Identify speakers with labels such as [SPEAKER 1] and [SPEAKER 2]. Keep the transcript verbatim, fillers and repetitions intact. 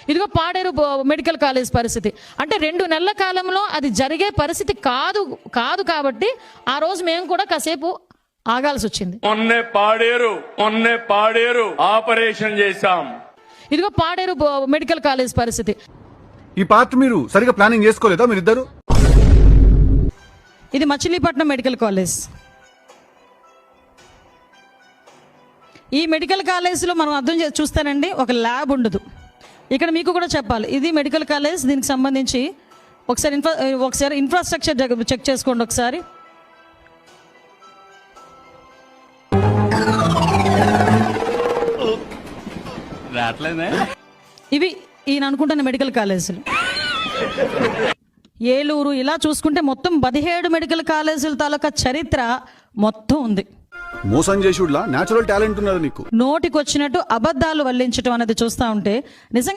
[SPEAKER 1] ఇదిగో పాడేరు బో- medical college పరిస్థితి అంటే రెండు నెలల కాలంలో అది జరిగే పరిస్థితి కాదు కాదు కాబట్టి ఆ రోజు మేము కూడా కాసేపు ఆగాల్సి వచ్చింది.
[SPEAKER 2] మొన్నే పాడేరు మొన్నే పాడేరు ఆపరేషన్ చేశాం.
[SPEAKER 1] ఇదిగో పాడేరు బో- మెడికల్ కాలేజ్ పరిస్థితి.
[SPEAKER 3] ఈ పార్ట్ మీరు సరిగా ప్లానింగ్ చేసుకోలేదా మీరిద్దరు?
[SPEAKER 1] ఇది మచిలీపట్నం మెడికల్ కాలేజ్. ఈ మెడికల్ కాలేజ్లో మనం అర్థం చే చూస్తానండి ఒక ల్యాబ్ ఉండదు. ఇక్కడ మీకు కూడా చెప్పాలి, ఇది మెడికల్ కాలేజ్. దీనికి సంబంధించి ఒకసారి ఇన్ఫ్రా ఒకసారి ఇన్ఫ్రాస్ట్రక్చర్ చెక్ చేసుకోండి ఒకసారి. ఇవి ఈయన అనుకుంటున్న మెడికల్ కాలేజీలు. ఏలూరు ఇలా చూసుకుంటే మొత్తం పదిహేడు మెడికల్ కాలేజీల తాలూకా చరిత్ర మొత్తం ఉంది.
[SPEAKER 3] మోసం చేసుడులా నేచురల్ టాలెంట్ ఉన్నది నీకు.
[SPEAKER 1] నోటికి వచ్చినట్టు అబద్ధాలు వల్లించడం అనేది చూస్తూ ఉంటే నిజంగా